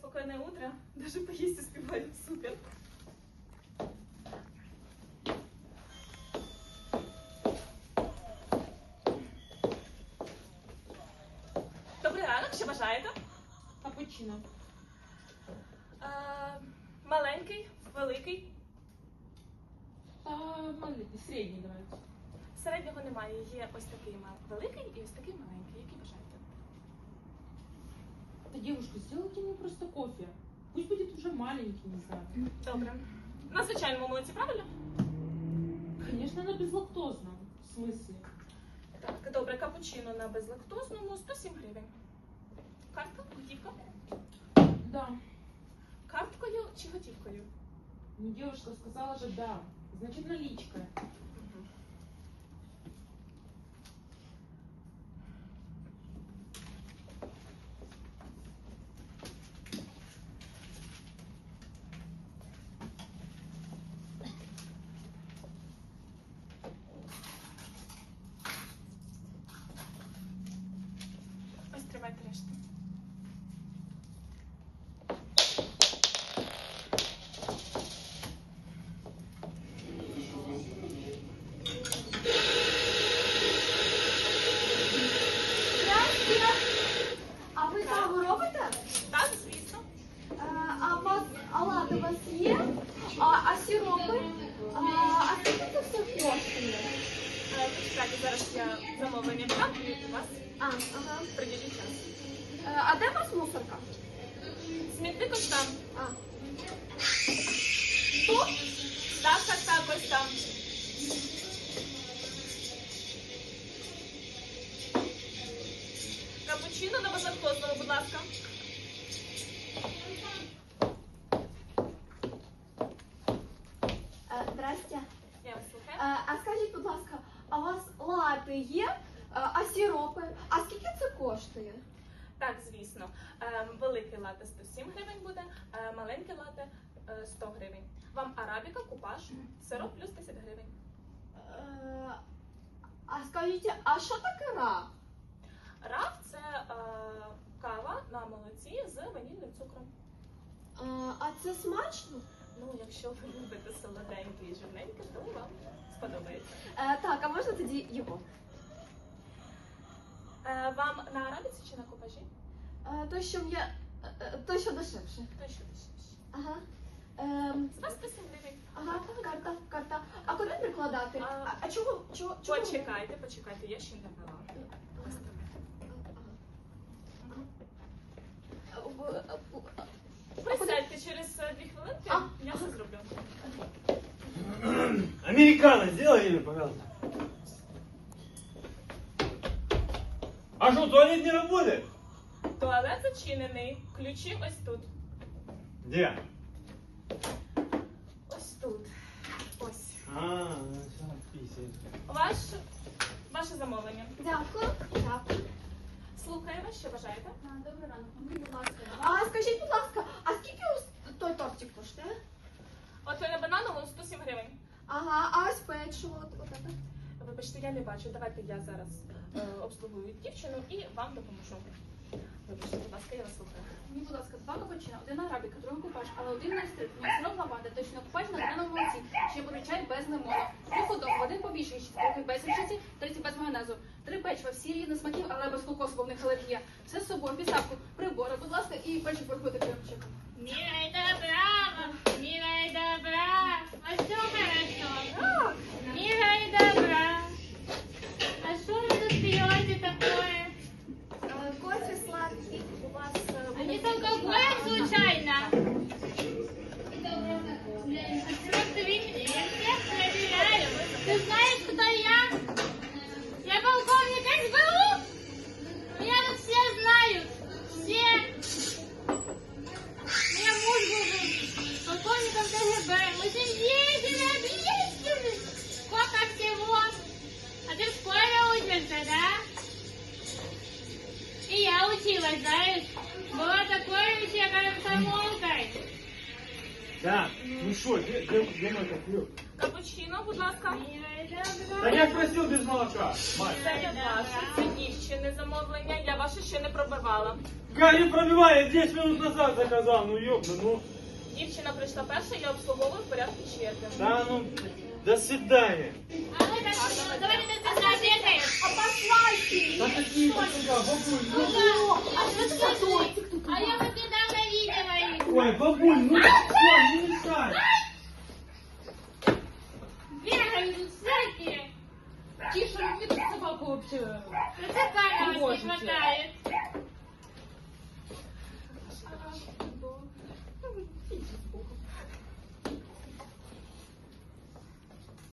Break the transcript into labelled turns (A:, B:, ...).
A: спокойное утро. Даже поесть успеваю. Супер. Добрий ранок, що бажаєте?
B: Капучино.
A: Маленький, великий.
B: Маленький, середній давайте.
A: Середнього немає. Є ось такий великий і ось такий маленький. Який бажаєте?
B: Да, девушка, сделайте мне просто кофе. Пусть будет уже маленький, не знаю.
A: Добре. На звичайному молоці, правильно?
B: Конечно, она безлактозна. В смысле?
A: Так, добре, капучино на безлактозному 107 гривень. Картка? Готівка?
B: Да.
A: Карткою чи готівкою?
B: Ну, девушка сказала же да. Значит, наличка.
A: Ось тримайте решту.
C: А ви каву робите?
A: Так, звісно.
C: А у вас олади у вас є? А сиропи? А скільки це все коштує?
A: Почекайте, зараз я замовлення віддам і вас
C: Ага.
A: приділю час.
C: А де у вас мусорка?
A: Смітник ось там.
C: Тут?
A: Так, ось там. Капучино на безлактозному, будь ласка.
C: Здрасте.
A: Я вас слухаю.
C: А скажіть, будь ласка, а у вас лати є? А сиропи? А скільки це коштує?
A: Так, звісно. Великий лате 107 гривень буде, маленький лате 100 гривень. Вам арабіка, купаж, сироп плюс 10 гривень.
C: А скажіть, а що таке раф?
A: Раф – це кава на молоці з ванільним цукром.
C: А це смачно?
A: Ну, якщо ви любите солоденьке і жирненьке, то вам сподобається.
C: Так, а можна тоді його?
A: Вам на арабіці чи на купажі?
C: То, що дешевше.
A: То що дешевше.
C: Ага.
A: З вас 107 гривень.
C: Ага, карта. А куди прикладати? А чого?
A: Почекайте, я ще не брала. Ось так. Присядьте через 2 хвилинки, я все зроблю.
D: Американо, сделай мне, пожалуйста. А что, туалет не работает?
A: Туалет зачинений, ключі ось тут.
D: Где?
A: Ось тут. Ось. Ваше замовлення.
C: Дякую.
A: Слухаю вас, що бажаєте?
C: Добрий ранок. Будь ласка. А скажіть, будь ласка, а скільки ось той тортик коштує?
A: От на банановому 107 гривень.
C: Ага, а ось печиво, от це?
A: Вибачте, я не бачу. Давайте я зараз обслугую дівчину і вам допоможу. Вибачте, будь ласка, я вас слухаю.
E: Мені, будь ласка, 2 капучино, 1 арабіка, 2 купаж, але 1 не стрит, сироп лаванди, точно купаж на граному молоці, ще буде чай без лимону, 3 ходок, 1 побільший, 4 без річиці, 30 без майонезу, 3 печива, всі різних смаків, але без кокосу, бо в них алергія. Все з собою, підставку, прибори, будь ласка, і печив порахуйте кремчиком.
F: Милая добра, милая добра, а все хорошо. Милая добра, а что вы тут пьете такое?
C: Кофе сладкий у вас
F: А не алкоголь случайно? Просто видите, я всех проверяю. Ты знаешь, кто я? Я полковник СБУ. Меня тут все знают. Все. Меня муж был полковником КГБ. Мы с ним ездили. Сколько всего. А ты в школе учишься, да? И я училась, знаешь. Была такой вообще комсомолкой.
D: Так, ну что, где мой кофе?
A: Капучино, будь ласка.
D: Да я ж просил без молока, мать.
A: Це не ваше, це дівчини замовлення. Я ваше ще не пробивала.
D: Как не пробивай, я 10 минут назад заказал, ну ёпта, ну.
A: Дівчина прийшла перша, я обслуговую в порядку черги.
D: Да ну, до свидания.
F: А вы так, давайте ты заобедаем.
C: А послайте!
D: Да какие ты сюда, бабуль, ну.
C: А что это за тортик тут?
F: А я вот недавно видела их.
D: Ой, бабуль, ну что,